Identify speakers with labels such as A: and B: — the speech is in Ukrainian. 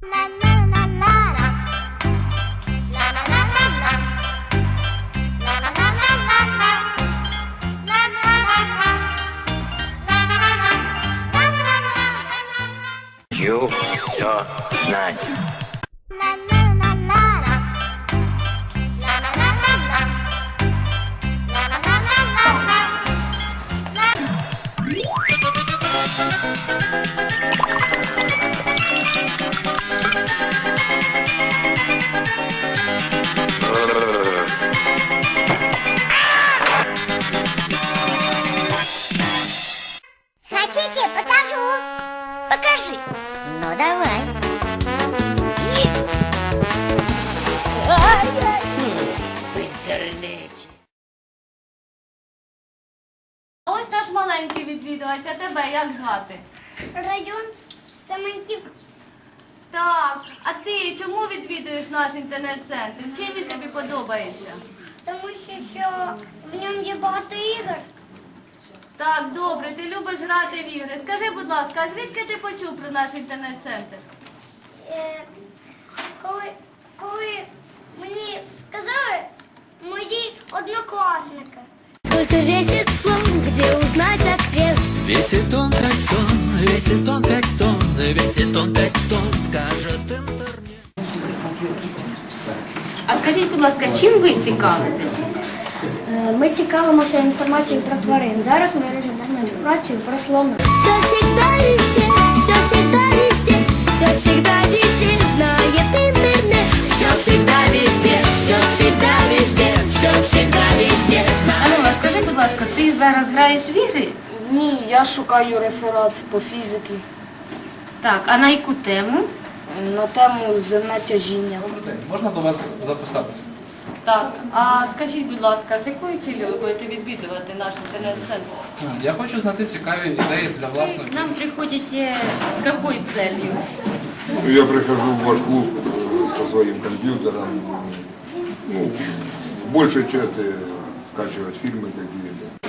A: You don't знать.
B: Хотите, покажу? Покажи. Ну, давай. В інтернеті.
C: Ось наш маленький відвідувач, а тебе як звати?
B: Район Семенків.
C: Так, а ти чому відвідуєш наш інтернет-центр? Чим він тобі подобається?
B: Тому що в ньому є багато ігор.
C: Так, добре, ти любиш грати в ігри. Скажи, будь ласка, а звідки ти почув про наш інтернет-центр?
B: Коли мені сказали мої однокласники.
D: Сколько весит слон, где узнать ответ?
E: Весит он 5 тонн, весит он 5 тонн, весит он 5 тонн, скажет интернет.
C: А скажіть, будь ласка, чим ви цікавитесь?
B: Ми цікавимося інформацією про тварин. Зараз ми розглядаємо інформацію про слона.
D: Все всегда везде, все всегда везде, все всегда везде знает интернет.
E: Все всегда везде, все всегда везде, все всегда везде знает.
C: Ану, а скажи, будь ласка, ти зараз граєш в ігри?
F: Ні, я шукаю реферат по фізиці
C: Так, а на яку тему?
F: на тему земне тяжіння.
G: Добрий день, можна до вас записатися?
C: Так, а скажіть, будь ласка, з якою цілею ви будете відвідувати наш інтернет-центр?
G: Я хочу знайти цікаві ідеї для
C: Вы
G: власної.
C: к нам приходите с какой целью?
H: Ну, я прихожу в ваш клуб со своим компьютером, ну, в большей части скачивать фильмы какие-то.